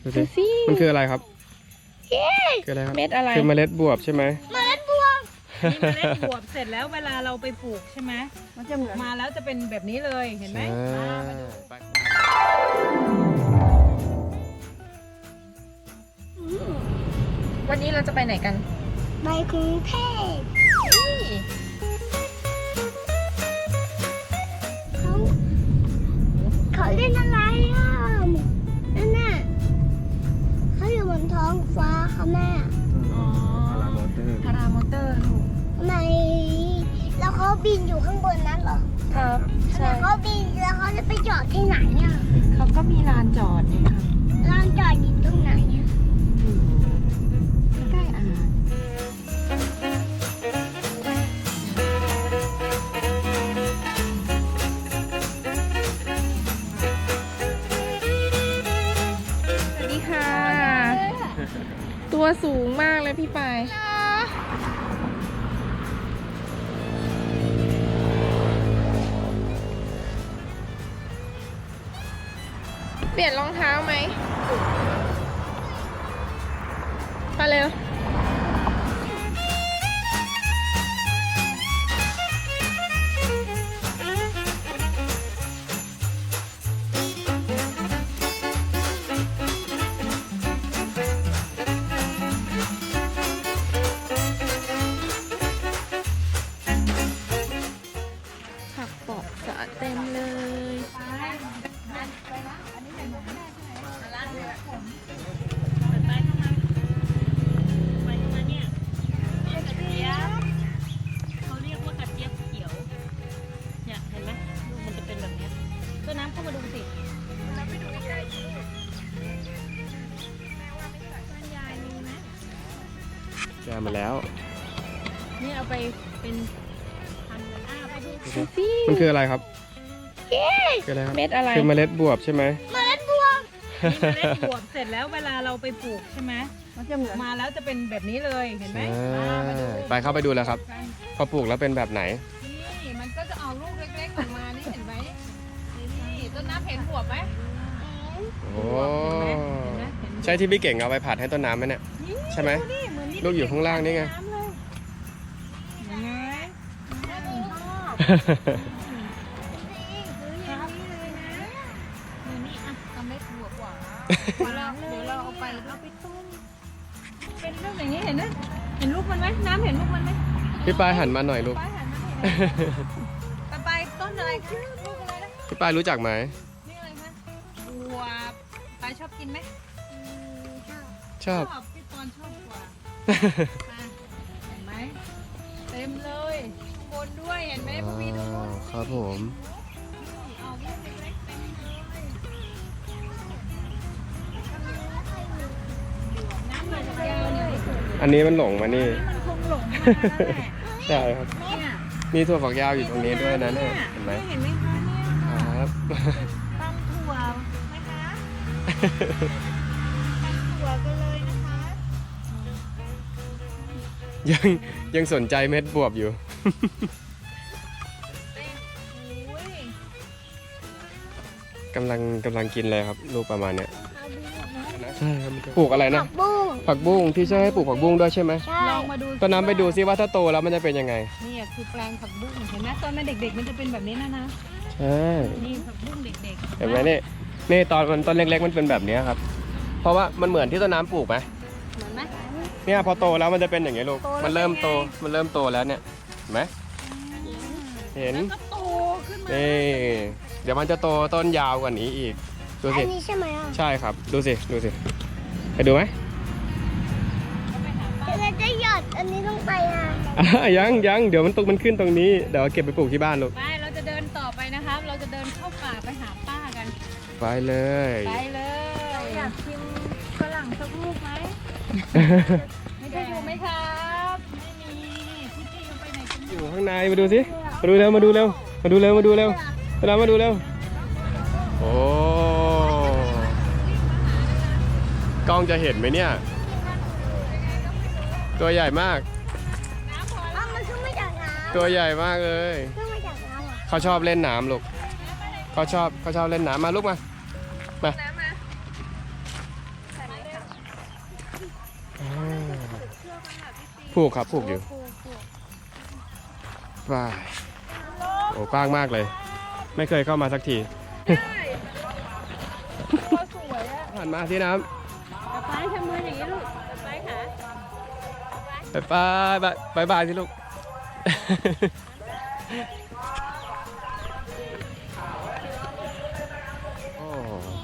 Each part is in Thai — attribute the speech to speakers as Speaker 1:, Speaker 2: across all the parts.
Speaker 1: ดูสิมันคืออะไรครับคืออะไรครับ
Speaker 2: เม็ดอะไร
Speaker 1: คือเมล็ดบวบใช่ไหม
Speaker 3: เมล็ดบวบ
Speaker 2: นี่เมล็ดบวบเสร็จแล้วเวลาเราไปปลูกใช่ไหมมันจะมาแล้วจะเป็นแบบนี้เลยเห็นไหมมาดู วันนี้เราจะไปไหนกัน
Speaker 3: ใบกรุงเทพเขาเล่นอะไรอ่ะนั่นน่ะเขาอยู่บนท้องฟ้าค่ะแม่
Speaker 2: อ๋อ
Speaker 1: พารามอเตอร์
Speaker 2: พารามอเตอร์ลูก
Speaker 3: ทำไมแล้วเขาบินอยู่ข้างบนนั้นเหรอ
Speaker 2: ครับ
Speaker 3: ทำไมเขาบินแล้วเขาจะไปจอดที่ไหนอ่ะ
Speaker 2: เขาก็มีลานจอดนี่ครับ
Speaker 3: ลานจอดอยู่ตรงไหนอ่ะ
Speaker 2: ใกล้ๆอ่างสวัสดีค่ะ ตัวสูงมากเลยพี่ปายเปลี่ยนรองเท้าไหมไปเร็วผักปอกสะเต็มเลยเขาเรียกว่ากระเจี๊ยบเขียวเนี่ยเห็นไหมลูกมันจะเป็นแบบนี้ต้นน้ำเข้ามาดูสิเราไปดูใกล้ๆดูยายมีไหม
Speaker 1: ได้มาแล้ว
Speaker 2: นี่เอาไปเป็นพันธุ์ไปดู
Speaker 1: มันคืออะไรครับคืออะไรครับ
Speaker 2: เม็ดอะไร
Speaker 1: คือเมล็ดบวบใช่ไหม
Speaker 3: เมล็ดบวบ
Speaker 2: นี่เมล็ดบวบเสร็จแล้วเวลาเราไปปลูกใช่ไหมมันจะมาแล้วจะเป็นแบบนี้เลยเห็นไหมมาดู
Speaker 1: ไปเข้าไปดูแล้วครับ พอปลูกแล้วเป็นแบบไหน
Speaker 2: นี่มันก็จะเอาลูกเล็กๆออกมานี่เห็นไหมนี่ต้นน้ำเห็นบวบไหม
Speaker 1: โอ้
Speaker 2: เห็นไหม
Speaker 1: ใช่ที่พี่เก่งเอาไปผัดให้ต้นน้ำไหมเนี่ย ใช่ไหม
Speaker 2: ดูดิเหมือนนี่
Speaker 1: ลูกอยู่ข้างล่างนี่ไง
Speaker 2: ำเลยเห็นไหม นี่อ่ะทำเม็ดบวบกว่าเดี๋ยวเราเอาไปต้มเป็นลูกอย่างนี้เห็นไหมเห็นลูกมันไหมน้ำเห็นลูกมันไหม
Speaker 1: พี่ปายหันมาหน่อยลูก
Speaker 2: ไปหันมาเห็นไปต้นอะไรคะลูกอะไรนะ
Speaker 1: พี่ปายรู้จักไหม
Speaker 2: นี่อะไรคะบวบไปชอบกินไหม
Speaker 1: ชอบ
Speaker 2: พี่ปอนชอบกว่าเห็นไหมเต็มเลยข้างบนด้วยเห็นไหมพวกพี่ดูนู่น
Speaker 1: ครับผม
Speaker 2: เอาลูกเล็กๆเต็มเลยน้ำมันยาวเนี่ย
Speaker 1: อันนี้มันหลงมานี่
Speaker 2: มันคงหลงมาแล้วแหละ
Speaker 1: ใช่ครับ
Speaker 2: เนี่ย
Speaker 1: มีถั่วฝักยาวอยู่ตรงนี้ด้วยนะเนี่ยเห็นไหม
Speaker 2: เห็นไหมคะเนี่ย
Speaker 1: ครับ
Speaker 2: ตำถั่วไหมคะตำถั่วกันเลยนะคะ
Speaker 1: ยังสนใจเม็ดบวบอยู่
Speaker 2: อุ้ย
Speaker 1: กำลังกินเลยครับลูกประมาณเนี้ย
Speaker 2: เอาดูนะ
Speaker 1: ใช่ครับปลูกอะไรนะ
Speaker 3: ผักบุ้ง
Speaker 1: ผักบุ้งพี่ช่วยให้ปลูกผักบุ้งด้วยใช่ไหม
Speaker 3: ใช่
Speaker 2: ลองมาดู
Speaker 1: ต้นน้ำไปดูซิว่าถ้าโตแล้วมันจะเป็นยังไง
Speaker 2: นี่คือแปลงผักบุ้งเห็นไหมตอนมันเด็กๆมันจะเป็นแบบนี้นะ
Speaker 1: ใช่
Speaker 2: นี่ผักบุ้งเด็กๆ
Speaker 1: เห็นไหมนี่ตอนต้นเล็กๆมันเป็นแบบนี้ครับ เพราะว่ามันเหมือนที่ต้นน้ำปลูกไหม
Speaker 2: เหมือนไหม
Speaker 1: เนี่ยพอโตแล้วมันจะเป็นอย่างนี้ลูก
Speaker 2: โตแล้ว
Speaker 1: มันเริ่ม
Speaker 2: เป็นไง
Speaker 1: โตมันเริ่มโตแล้วเนี่ยเห็นไหมเห็น
Speaker 2: แล้วก็โตขึ้นมา
Speaker 1: นี่เดี๋ยวมันจะโตต้นยาวกว่านี้อีกดู
Speaker 3: อั
Speaker 1: สิ
Speaker 3: นนี้ใช่ไหมอ่ะ
Speaker 1: ใช่ครับดูสิไปดูไหม
Speaker 3: เราจะหยอดอันนี้ลงไปอ่ะ
Speaker 1: ยังเดี๋ยวมันขึ้นตรงนี้เดี๋ยวเก็บไปปลูกที่บ้านลูก
Speaker 2: ไปเราจะเดินต่อไปนะครับ เราจะเดินเข้าป่าไปหาป้ากัน
Speaker 1: ไปเลย
Speaker 2: ไปเลยอยากชิมฝรั่งสักลูกไหม ไม่ได้อยู่ไหมครับไม่มีพี่ๆเขาไปไหนกัน
Speaker 1: อยู่ข้างในมาดูสิมาดูเร็วมาดูเร็วมาดูเร็วโอ้กล้องจะเห็นไหมเนี่ยตัวใหญ่มาก
Speaker 2: น้ำพอ
Speaker 3: อ้าวมันขึ้นมาจากน้ำ
Speaker 1: ตัวใหญ่มากเลย
Speaker 3: ขึ้นมาจากน้ำเหรอ
Speaker 1: เขาชอบเล่นน้ำลูกเขาชอบเล่นน้ำมาลูกมา
Speaker 2: น้ำมาใส่
Speaker 1: ผูกครับผูกอยู่ว้ายโอ้กว้างมากเลย ไม่เคยเข้ามาสักที
Speaker 2: ตัวสวยอะ
Speaker 1: หันมาที่น้
Speaker 2: ป๊าทำมืออย่างนี้ลูกป๊าขา
Speaker 1: ำบายบายสิลูก โอ้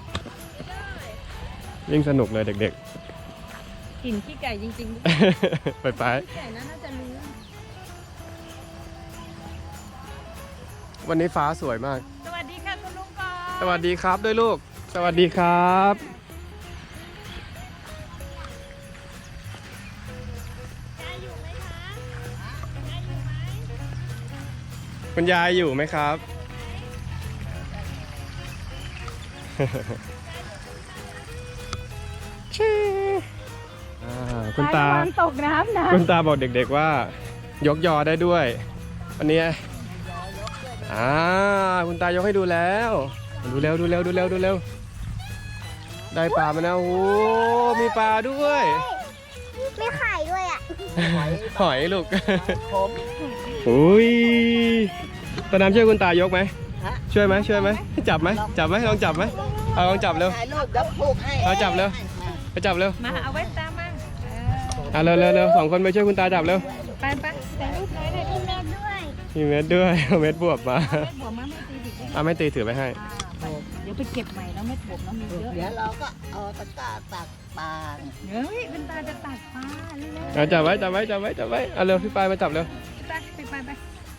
Speaker 1: ยิ่งสนุกเลยเด็ก
Speaker 2: กลิ่นขี้ไก่จริงๆ
Speaker 1: ๆ ไป
Speaker 2: ขี้ไก่น่าจะรู้
Speaker 1: วันนี้ฟ้าสวยมาก
Speaker 2: สวัสดีค่ะคุณลุงก่อน
Speaker 1: สวัสดีครับด้วยลูก สวัสดีครับ คุณยายอยู่ไหมครับ คุณตา
Speaker 2: ระวังตกน้ำนะ
Speaker 1: คุณตาบอกเด็กๆว่า ยกยอได้ด้วยวันนี้คุณตายกให้ดูแล้วดูเร็วได้ปลามาแล้วโอ้มีปลาด้วย
Speaker 3: ไม่ไข่ด้วยอ่ะ
Speaker 1: หอยลูกอุ้ยตาน้ำช่วยคุณตายกไหมช่วยไหมจับไหมลองจับไหมเอาลองจับเร็ว
Speaker 4: ถ่ายรูปเดี๋ยวผูกให้
Speaker 1: เอาจับเร็วไปจับเร็ว
Speaker 2: มาเอาไว้ตามมา
Speaker 1: เร็วสองคนไปช่วยคุณตาจับเร็ว
Speaker 2: ไปแต่ลูกน้อยหน่อย
Speaker 3: มีเม็ดด้วย
Speaker 1: มีเม็ดด้วยเอาเม็ดบวบมา
Speaker 2: เม็ดบัวมาไม่ตีดิ
Speaker 1: ไม่ตีถือไปให้
Speaker 2: เดี๋ยวไปเก็บใหม่แล้วเม็ดบัวน้ำมีเยอะ
Speaker 4: เดี๋ยวเราก็เอาตะกร้าตักปลา
Speaker 2: เฮ้ยคุณตาจะตักปลาเร็ว
Speaker 1: เอาจับไว้เอาเร็วพี่ปายมาจับเร็ว
Speaker 2: ๆไป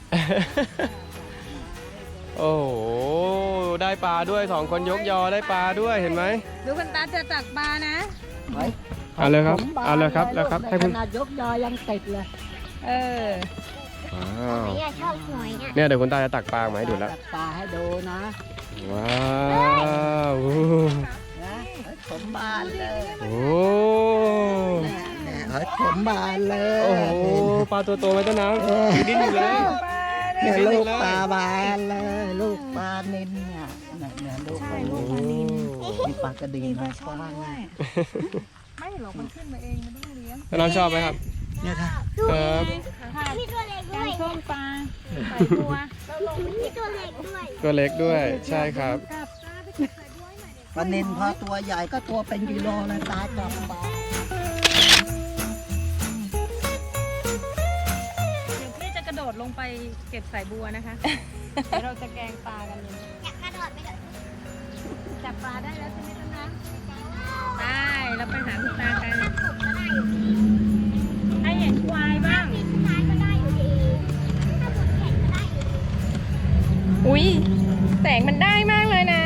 Speaker 1: โอ้โหได้ปลาด้วยสองคนยกยอได้ปลาด้วยเห็นไหม
Speaker 2: ดูคุณตาจะตักปลานะ
Speaker 1: เอาเลยครับแล้วครับให้
Speaker 4: ข
Speaker 1: คุณ
Speaker 4: นาดยกยอยังติดเลย
Speaker 2: เออ
Speaker 1: ว้าว
Speaker 3: อยากชอบหอยอ่ะ
Speaker 1: เนี่ยเดี๋ยวคุณตาจะตักปลามาให้ดูแล้ว
Speaker 4: ตักปลาให้ดูนะ
Speaker 1: ว้าว
Speaker 4: นะสมบานเลย
Speaker 1: โอ้
Speaker 4: เนี่ยสมบานเลย
Speaker 1: โอ้โหปลาตัวโตไหมต้นน้ำอยู่ดิ้นอยู่เลย
Speaker 4: เนี่ยลูกปลาบานเลย ลูกปลานิลเนี่ยเนี่ยลูกปลานิลมีปลากระดีนะกว้าง
Speaker 2: ไม่หรอกมันขึ้นมาเองมันต้องเลี้ยง
Speaker 1: ต้นน้ำชอบไหมครับ
Speaker 4: เนี่ยค่ะ
Speaker 1: ครับ
Speaker 3: มีตัวเล็ก
Speaker 2: แก
Speaker 3: ด้ว
Speaker 2: ง
Speaker 3: ย
Speaker 2: ส้มปลาใส่บัว
Speaker 3: มีตัวเล็กด้วย
Speaker 1: ตัวเล็กด้วยใช่ครับ
Speaker 2: กับ
Speaker 4: ปลานิลพอตัวใหญ่ก็ตัวเป็นกิโลเลยตาจับปลา
Speaker 2: เดี๋ยวพี่จะกระโดดลงไปเก็บสายบัวนะคะ เดี๋ยวเราจะแกงปลากันเลย
Speaker 3: อยากกระโดดไปเลย
Speaker 2: จับปลาได้แล้วใช่ไหมต้นน้ำได้เราไปหาคุณตากัน
Speaker 3: ผมก็ได้อยู่ดี
Speaker 2: ให้เห็นควายบ้าง
Speaker 3: มีสุดท้ายก็ได้อยู่ดีถ้าผมแข็งก็ได้อยู่ดี
Speaker 2: อุ้ยแสงมันได้มากเลยนะ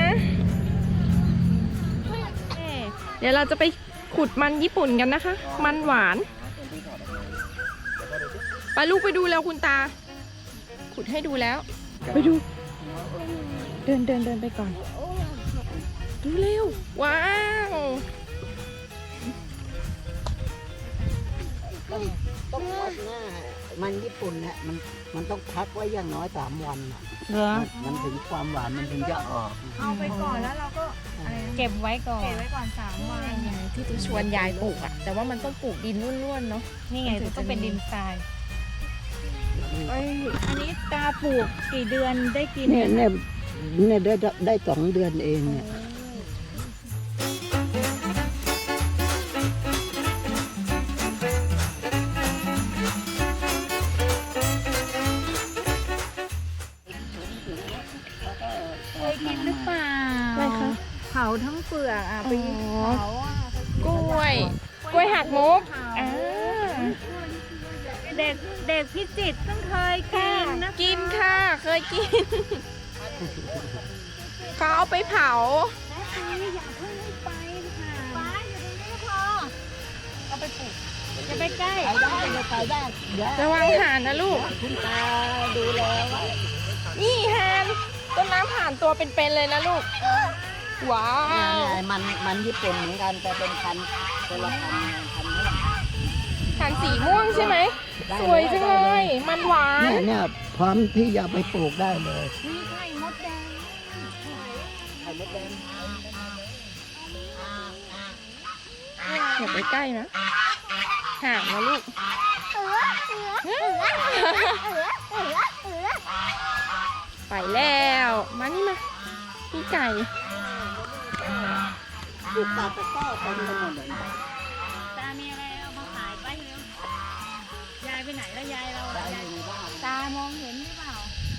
Speaker 2: เดี๋ยวเราจะไปขุดมันญี่ปุ่นกันนะคะ มันหวาน ไปลูกไปดูแล้วคุณตา ขุดให้ดูแล้ว ไปดู เดินไปก่อน ดูเร็ว ว้าว
Speaker 4: ต้องวัดหน้ามันญี่ปุ่นเนี่ยมันต้องพักไว้อย่างน้อย3 วันน่ะ
Speaker 2: เหรอ
Speaker 4: มันถึงความหวานมันถึงจะออก
Speaker 2: เอาไปก่อนแล้วเราก็เก็บไว้ก่อน เก็บไว้ก่อน3 วัน
Speaker 5: ที่ตูชวนยายปลูกอะแต่ว่ามันต้องปลูกดินร่วนๆเนาะ
Speaker 2: นี่ไงต้องเป็นดินทรายอันนี้ตาปลูกกี่เดือนได้กิน
Speaker 4: เนี่ยได้2 เดือนเองเนี่ย
Speaker 2: เคยกินหรือเปล่า
Speaker 5: อะไรคะ
Speaker 2: เผาทั้งเปลือกอ่ะไปเผาอ่ะ
Speaker 5: กล้วยหักมุกอ่า
Speaker 2: เด็กพิจิตรต้องเคยกินนะ
Speaker 5: กินค่ะ เคยกิน เขาเอาไปเผา
Speaker 2: อย่าเพิ่งให้ไปค่ะป้าอยู่ตรงนี้พอเอาไปปลูกจะไปใกล้
Speaker 4: ไปได้เดี๋ยว
Speaker 5: ระวังห่านนะลูก
Speaker 4: คุณตาดูแลไว้
Speaker 5: นี่ห่านต้นน้ำห่านตัวเป็นๆเลยนะลูก ว้า
Speaker 4: เนี่
Speaker 5: ว
Speaker 4: ยมันญี่ปุ่นเหมือนกันแต่เป็นพันธุ์คนละพันธุ์นี้
Speaker 5: ห่านสีม่วงใช่ไหม สวยจังเลย มันหวาน
Speaker 4: เนี่ยพร้อมที่จะไปปลูกได้เลย
Speaker 2: มีไข่มดแดง
Speaker 4: ไข่มดแดง
Speaker 5: อย่าไปใกล้นะห่างนะลูก
Speaker 3: เออ
Speaker 2: ไปแล้วมานี่มามีไก่
Speaker 4: ลูกปลาตะก้อเต็มไปหมดเลย
Speaker 5: ตามีอะไรเอามาขายไปเร็วยายไปไหนแล้วยายเรา
Speaker 4: ได้อยู่บ้าน
Speaker 5: ตามองเห็นหรือเปล่า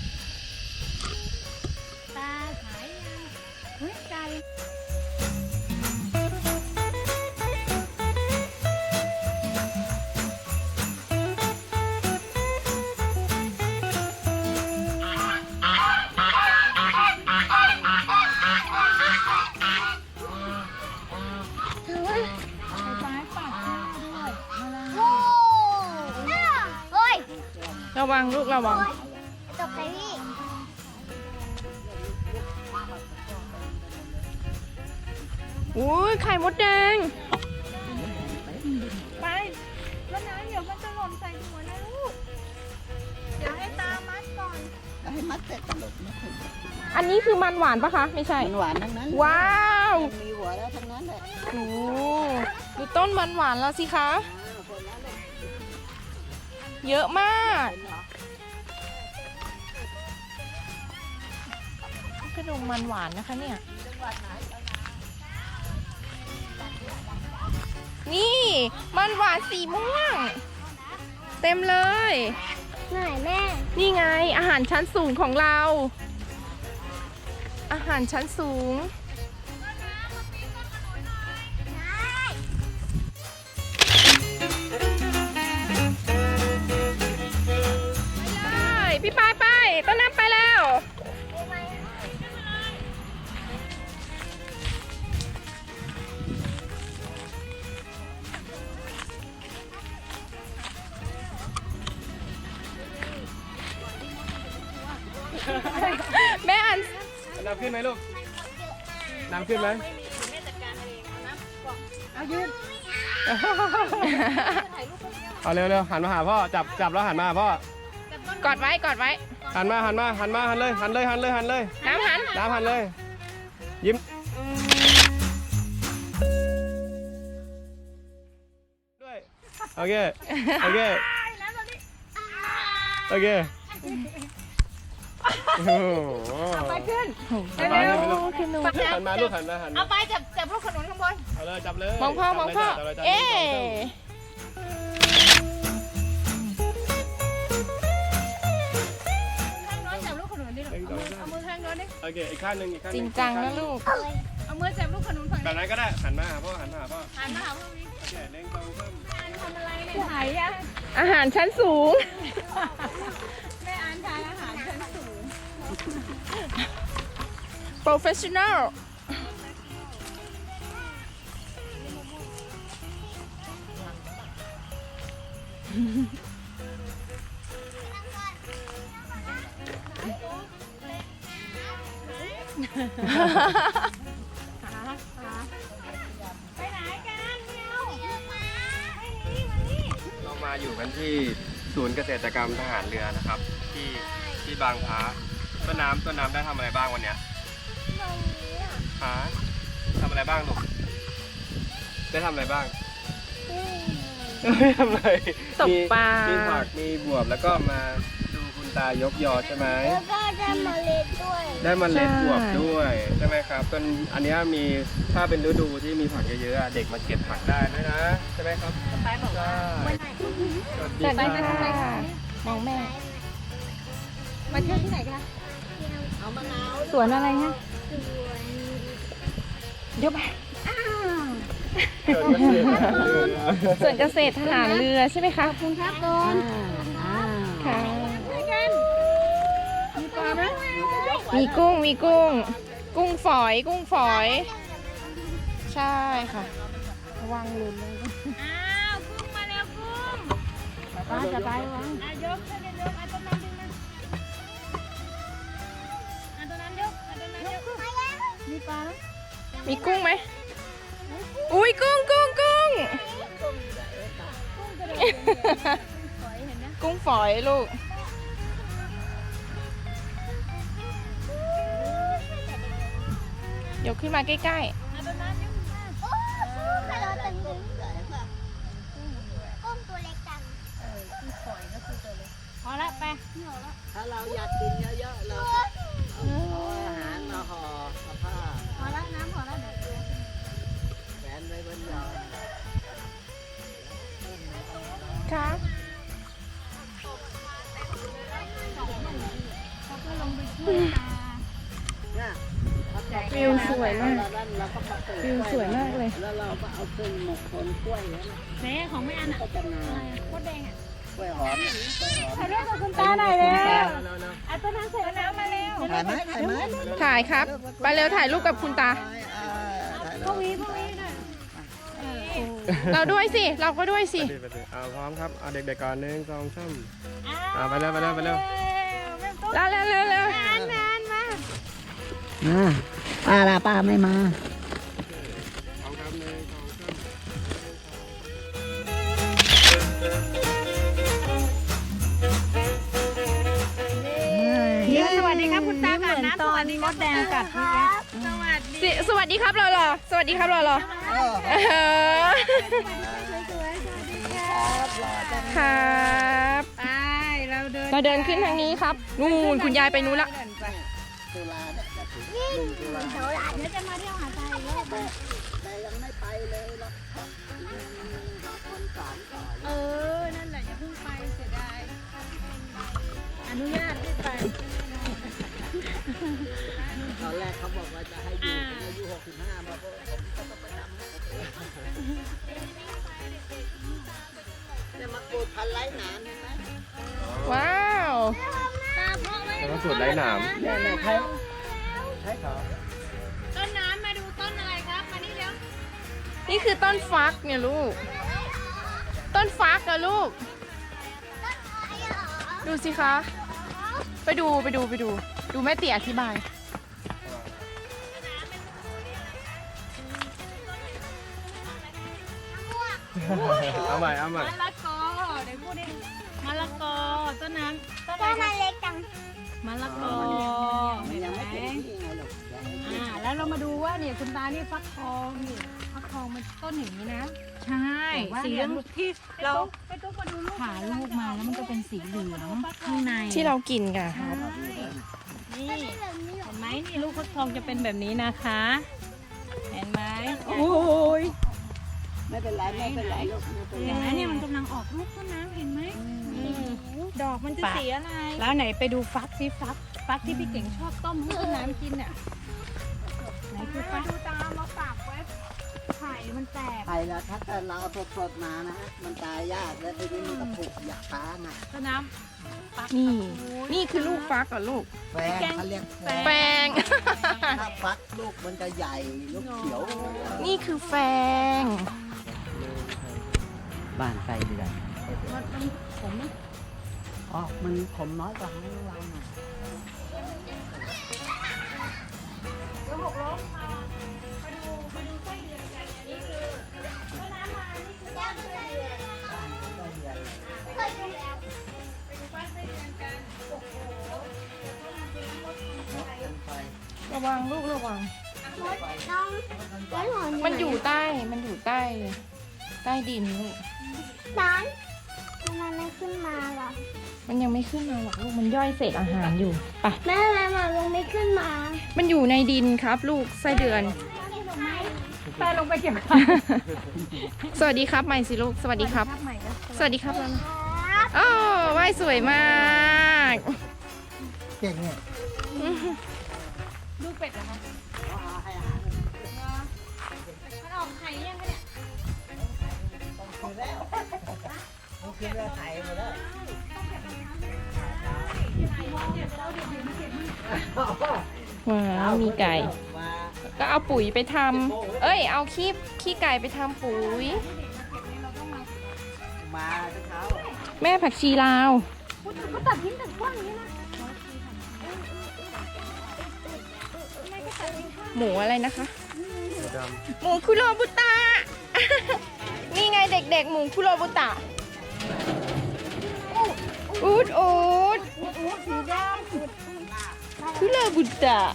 Speaker 5: ตาขายยังเฮ้ยไก่
Speaker 2: ระวังลูกระวัง
Speaker 3: ตกใจพี่
Speaker 2: อุ้ยไข่มดแดง
Speaker 5: ไปแล้วนะเดี๋ยวมันจะหล่นใส่หัวนะลูกเดี๋ยวให้ตามัดก่อน
Speaker 4: ให้มัดเสร็จตลกไม่ถึง
Speaker 2: อันนี้คือมันหวานปะคะ ไม่ใช่
Speaker 4: มันหวานทั้งนั้น
Speaker 2: ว้าว
Speaker 4: มีหัวแล้วทั้งนั้นเลย
Speaker 2: โอ้ดูต้นมันหวานแล้วสิคะ เยอะมากกระดงมันหวานนะคะเนี่ย นี่มันหวานสีม่วง เต็มเลย
Speaker 3: ไหนแม่
Speaker 2: นี่ไงอาหารชั้นสูงของเรา อาหารชั้นสูง ไปเลยพี่ปายไปต้นน้ำไปแล้ว แม่อัน
Speaker 1: น้ำขึ้นไหมลูก น้ำขึ้นไหม เอาเร็วๆหันมาหาพ่อ จับแล้วหันมาหาพ่อ
Speaker 2: กอดไว้กอดไว้
Speaker 1: หันเลยหันเลย
Speaker 2: น้ำหัน
Speaker 1: น้ำหันเลย ยิ้มด้วยโอเค โอเค โอเคโอ้โห
Speaker 5: ไปขึ้น
Speaker 1: สบายเลยไหมลูก
Speaker 2: ขึ้นนู
Speaker 1: หันมาลูกหันมา
Speaker 5: เอาไปจับลูกขนุนข้างบน
Speaker 1: เอาเลยจับเลย
Speaker 2: มองพ่อมองพ่อ
Speaker 1: จับเลย
Speaker 2: เอ๊ะ
Speaker 5: ข้างโน้นจับลูกขนุนดิลูกเอามือข้างโน้นดิ
Speaker 1: โอเคอีกข้างหนึ่งอีกข้างห
Speaker 2: จริ
Speaker 1: นึ่
Speaker 2: งจังนะลูก
Speaker 5: เอามือจับลูกขนุนฝั่ง
Speaker 1: แบบนั้นก็ได้หันมาหาพ่อหันมาหาพ่อ
Speaker 5: หันมาหาพวกนี้
Speaker 1: โอเคเล่งตรงเพิ่ม
Speaker 5: ทำอะไรเนี่ยถ่ายอะ
Speaker 2: อาหารชั้นสูง
Speaker 5: แม่อ่านทานอาหารชั้นสูง
Speaker 2: professional
Speaker 5: ไปไหนกันเมียวไม่หนีมานี่
Speaker 1: เรามาอยู่กันที่ศูนย์เกษตรกรรมทหารเรือนะครับ ที่บางพระต้นน้ำได้ทำอะไรบ้างวันเนี้ยฮะทำอะไรบ้างลูกได้ทำอะไรบ้างไม่ทำอะไร
Speaker 2: ตกปลามี
Speaker 1: ผักมีบวบแล้วก็มาดูคุณตายกยอใช่ไหม
Speaker 3: แล้วก็ได้เมล็ดด้วย
Speaker 1: ได้เมล็ดบวบด้วยใช่ไหมครับต้นอันเนี้ยมีถ้าเป็นฤดูที่มีผักเยอะๆอะเด็กมาเก็บผักได้ด้วยนะใช่ไหมครับ
Speaker 5: ไปบอกว่า
Speaker 1: สวัส
Speaker 2: สวัสดี
Speaker 1: ดีค
Speaker 2: ค่ะ
Speaker 1: รับ
Speaker 2: มองแม่
Speaker 5: มาเที่ยวที่ไหนคะ
Speaker 3: เอามะนาว
Speaker 2: สวนอะไรฮะ
Speaker 3: สวน
Speaker 2: เดี๋ยวไป
Speaker 1: เกิดเกษตรทหารเรือ
Speaker 2: สวนเกษตรทหารเรือใช่ไหมคะ
Speaker 3: คุณครับก่อน
Speaker 2: ค่ะ
Speaker 5: มีปลาไหม
Speaker 2: มีกุ้งฝอย ใช่ค่ะระวังหลุนเลย
Speaker 5: อ้าวกุ้งมาแล้วกุ้ง
Speaker 2: ป้าจะไปวะ
Speaker 5: ยกขึ้นยกเอาต้นนั้นดึงมาเอาต้นนั้นยกเอาต้นนั้นยกมีปลาไหม
Speaker 2: มีกุ้งไหมอุ้ยกุ้ง กุ้งฝอยลูกยกขึ้นมาใกล้
Speaker 5: เอาต้นนั้นยกมา
Speaker 3: โอ้กุ้งกระโดดตึงกุ้งตัวเล็กจัง
Speaker 5: กุ้งฝอยก็คือ
Speaker 4: ถ้าเราอยากกินเยอะๆเราเอาอาหารมาห่อกับผ้า
Speaker 5: พอละน้ำพอละเดี๋ยว
Speaker 4: แขวนไว้บนยอด
Speaker 2: ค่ะ
Speaker 5: เขาก็ลงไปช่วยตา
Speaker 4: เนี่ย
Speaker 2: วิวสวยมาก
Speaker 4: เราก็มาปลูก
Speaker 2: วิวสวยมากเลย
Speaker 4: แล้วเราก็เอาขึ้นหมกคนกล้วยแล้วนะ
Speaker 5: แม่ของแม่อันอ่ะ
Speaker 4: ก็จะงาม
Speaker 5: โคตรแดงอ่ะ
Speaker 4: กล้วยหอมกล้วยหอม
Speaker 5: ถ่ายรูปกับคุณตาหน่อยเร็ว
Speaker 1: เร็ว
Speaker 5: อ่ะต้นน้ำเสร็จแล้วมาเร็ว
Speaker 4: ถ่ายไหมถ่ายไหม
Speaker 2: ถ่ายครับ ไปเร็วถ่ายรูปกับคุณตา
Speaker 4: ถ่าย
Speaker 5: พวกนี้หน่อย
Speaker 2: เราด้วยสิ เราก็ด้วยสิ
Speaker 1: ไปดิพร้อมครับ เอาเด็กๆก่อน1 2 3
Speaker 5: อ่ะ
Speaker 1: ไปเร็วไปเร็วไปเร็ว
Speaker 2: เร็วเร็วเร็วเร็ว
Speaker 5: นานมา
Speaker 4: ป้าล่ะป้าไม่มา
Speaker 1: พร้อมครับ1 2 3
Speaker 5: สวัสดีครับคุณตาก่อนนะสวัสดีมดแดงกัดเมื่อกี้สวัสดี
Speaker 2: สวัสดีครับรอรอสวัสดีครับรอรอครับ
Speaker 5: ไปเราเดิน
Speaker 2: เราเดินขึ้นทางนี้ครับ นู่นคุณยายไปนู้นละ
Speaker 4: ตุลาเนี่ยจะถึง1 ตุลา
Speaker 5: เดี๋ยวจะมาเที่ยวหาดทรายอีกรอบ
Speaker 4: แต่ยังไม่ไปเลยหรอกคนสอนก่อน
Speaker 5: นั่นแหละอย่าเพิ่งไปเสียดายอนุญาตให้ไป
Speaker 4: ตอนแรกเขาบอกว่าจะให้อยู่ถึงอายุ65มาเพราะผมก็ต้องไปทำเนี่ยมะกรูดพันไร้หนามเห็นไหม
Speaker 2: ว้าว
Speaker 5: ตาเพราะไหม
Speaker 1: แล้วก็สูตรไร้หนาม
Speaker 4: เนี่ยใช่ใช่ครับ
Speaker 5: ต้นน้ำมาดูต้นอะไรครับมานี่เร็ว
Speaker 2: นี่คือต้นฟักเนี่ยลูก ต้นฟักนะลูก ดูสิคะ ไปดูไปดูไปดู ดูแม่เตี๋ยอธิบาย
Speaker 1: เอาใหม่เอาใหม่
Speaker 5: มะละกอเดี๋ยวพูดดิมะละกอต้นน้ำต้น
Speaker 3: ก็
Speaker 5: อะไร
Speaker 3: มา
Speaker 5: คะ
Speaker 3: เล็กจัง
Speaker 5: มะละกอ
Speaker 4: มันยังไม่ถึงที่ไงหรอกยังไม่ถึง
Speaker 5: แล้วเรามาดูว่าเนี่ยคุณตานี่ฟักทองนี่ฟักทองมันต้นอย่างนี้นะ ใช่สีเหลืองที่เราไปตุ๊กมาดูลูกผ่าลูกมาแล้วมันก็เป็นสีเหลืองข้างใน
Speaker 2: ที่เรากินกันครับ
Speaker 5: นี่เห็นไหมนี่ลูกฟักทองจะเป็นแบบนี้นะคะ เห็นไหม
Speaker 2: โอ้ย
Speaker 4: ไม่เป็นไรไม่เป็นไรลูกไม่เป็นไร
Speaker 5: เห็นไหมเนี่ยมันกำลังออกลูกต้นน้ำเห็นไหมดอกมันจะสีอะไรแล้วไหนไปดูฟักสิฟักที่พี่เก่งชอบต้มให้ต้นน้ำกินอ่ะไหนคือฟักดูตามาฝากไว้ไข่มันแตก
Speaker 4: ไผ่ละถ้าเกิดเราเอาสดๆมานะฮะมันตายยากแล้วทีนี้มันก็ผุอยากฟ้าไง
Speaker 5: ต้นน้ำฟัก
Speaker 2: นี่ นี่คือลูกฟักเหรอลูก
Speaker 4: แฟงเขาเรียกแฟ
Speaker 2: แฟ
Speaker 4: ง
Speaker 2: ง
Speaker 4: ถ้าฟักลูกมันจะใหญ่ลูกเขียว
Speaker 2: นี่คือแฟง
Speaker 4: บ้านไฟเดือน
Speaker 5: มันผม
Speaker 4: อ๋อมันขมน้อยกว่าของเราหน่อย
Speaker 5: แล้ว6 ล้มมาดูไส้เดือนกันอันนี้คือต้นน้ำมานี่คือบ้านไส้เดือนไปดูบ้านไส้เดือนกันโอ้โห
Speaker 2: ระวังลูกระวัง
Speaker 3: น้องแล้วหนอน
Speaker 2: มันอยู่ใต้ มันอยู่ใต้ ใต้ดินลูก
Speaker 3: น้องทำไมไม่ขึ้นมาล่ะ
Speaker 2: มันยังไม่ขึ้นมาหรอกลูก มันย่อยเศษอาหารอยู่ไป
Speaker 3: แม่มาลงไม่ขึ้นมา
Speaker 2: มันอยู่ในดินครับ ลูกไส้เดือน
Speaker 5: ไปลงไปเก็บ
Speaker 2: สวัสดีครับใหม่สิลูก สวัสดีครับ
Speaker 5: ใหม่นะ
Speaker 2: สวัสดีครับแล้วนะอ๋อว่ายสวยมาก
Speaker 4: เก่งเนี่ย
Speaker 5: ดูเป็ดเหรอคะมันออกไข่ยังคะเนี่ย
Speaker 4: คือแล้วคือแล้วไถหมดแล้ว
Speaker 2: ว้าว มีไก่
Speaker 4: มา
Speaker 2: ก็เอาปุ๋ยไปทำ เอ้ย เอาขี้ไก่ไปทำปุ๋ย
Speaker 4: มาเช้า
Speaker 2: แม่ผักชีลาว
Speaker 5: ก็ตัดทิ้งตัดกว้างอย่างนี้นะ
Speaker 2: หมูอะไรนะคะ
Speaker 1: สีด
Speaker 2: หมูคุโรบุตะ นี่ไงเด็กๆ หมูคุโรบุตะ อูดอูด
Speaker 3: สีด
Speaker 2: คุโรบุตะ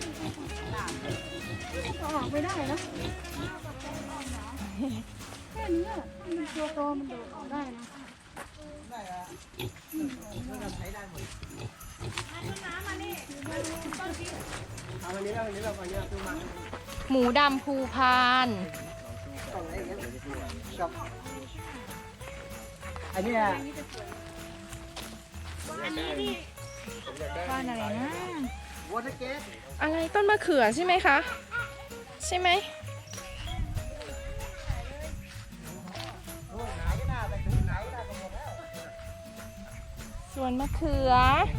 Speaker 5: ออกไม่ได้นะแค่นี้มันตัวโตมันโดดออกได้นะ
Speaker 1: เอาวันนี้เราวันนี้ซื้อมา
Speaker 2: หมูดำภูพาน
Speaker 4: กับอันนี้
Speaker 5: บ้านอะไรนะ
Speaker 4: วอเตอร์เกต
Speaker 2: อะไรต้นมะเขือใช่ไหมคะ ใช่ไหมสวนมะเขือ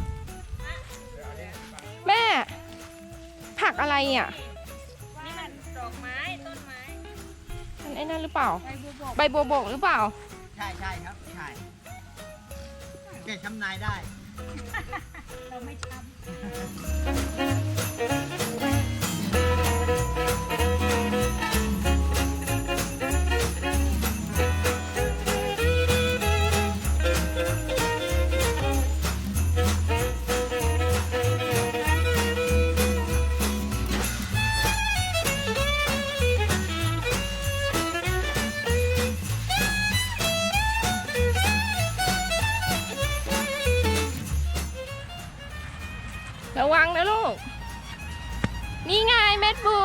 Speaker 2: แม่ ผักอะไรอ่ะ
Speaker 5: นี่มันดอกไม้ต้นไม้
Speaker 2: มันไอ้นั่นหรือเปล่า
Speaker 5: ใบบัวบก
Speaker 2: ใบบัวบกหรือเปล่า
Speaker 4: ใช่ครับใช่เก็บทำนายได้
Speaker 5: เราไม่ทำ
Speaker 2: ระวังนะลูก นี่ไงเม็ดบัว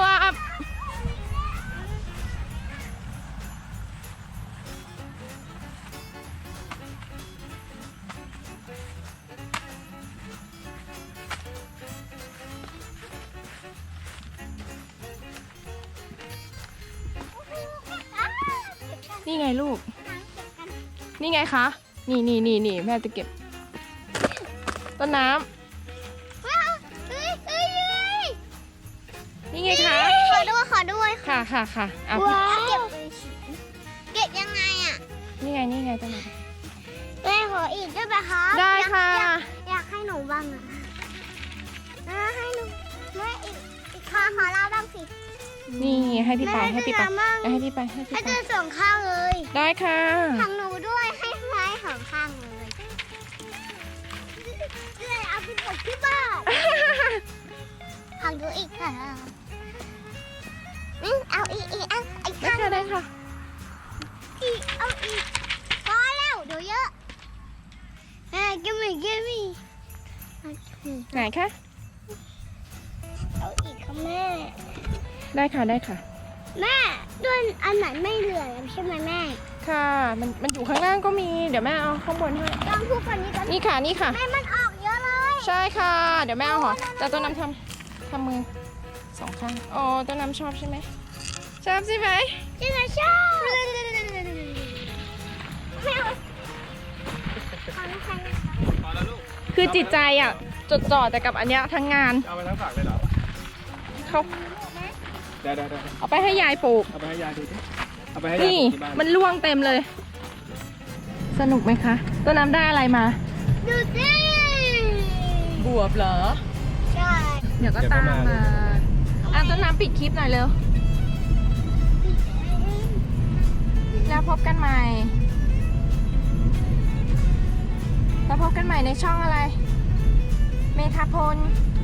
Speaker 2: นี่ไงลูก นี่ไงคะ นี่แม่จะเก็บ ต้นน้ำ นี่ไงคะ
Speaker 3: ขอด้วย
Speaker 2: ค่ะเอา
Speaker 3: ว้าวเก็บยังไงอ่ะ
Speaker 2: นี่ไงต้นน้
Speaker 3: แม่ขออีกได้ไหมคะ
Speaker 2: ำได้ค่ะ
Speaker 3: อยากให้หนูบ้างอ่ะให้หนูแม่อีกขอเราบ้างสิ
Speaker 2: นี่ให้พี่ไปให้พี่ไป
Speaker 3: มั่ง
Speaker 2: ให้พี่ไป
Speaker 3: ให้เจอสองข้างเลย
Speaker 2: ได้ค่ะ
Speaker 3: ของหนูด้วยให้ไม้สองข้างเลยเลยเอาไปปลูกที่บ้านของหนูอีกค่ะเอาอีกเอาอีก
Speaker 2: ได้
Speaker 3: ข้าง
Speaker 2: ค่ะได้ค่ะ
Speaker 3: เอาอีกพอแล้วเดี๋ยวเยอะกิมมี่
Speaker 2: ไหนคะ
Speaker 3: เอาอีกค่ะแม่
Speaker 2: ได้ค่ะได้ค่ะ
Speaker 3: แม่ด้วยอันไหนไม่เหลือใช่ไหมแม่
Speaker 2: ค่ะมันอยู่ข้างล่างก็มี เดี๋ยวแม่เอาข้างบนให้
Speaker 3: ลองพูดคนนี้กัน
Speaker 2: นี่ค่ะ
Speaker 3: แม่มันออกเยอะเลย
Speaker 2: ใช่ค่ะ เดี๋ยวแม่เอาห่อแต่ต้นน้ำทำมือสองข้างอ๋อต้นน้ำชอบใช่ไหมชอบใช่ไหม
Speaker 3: จินชอบแม่เอาขอน้ำแข็งนะคะ
Speaker 1: พอแล้วลูก
Speaker 2: คือจิตใจอ่ะจดจ่อแต่กับอันเนี้ยทั้งงาน
Speaker 1: เอาไปทั้งฝักเลยเหรอ
Speaker 2: เขา
Speaker 1: ได้
Speaker 2: เอาไปให้ยายปลูก
Speaker 1: เอาไปให้ยายดูดิเอาไปให้ยาย
Speaker 2: นี่
Speaker 1: ที่บ้าน
Speaker 2: มันร่วงเต็มเลย สนุกไหมคะต้นน้ำได้อะไรมา
Speaker 3: ดูสิ
Speaker 2: บวบเหรอ
Speaker 3: ใช่
Speaker 2: เดี๋ยวก็ตามมาต้นน้ำปิดคลิปหน่อยเร็ว แล้วพบกันใหม่ แล้วพบกันใหม่ในช่องอะไร เมธาพล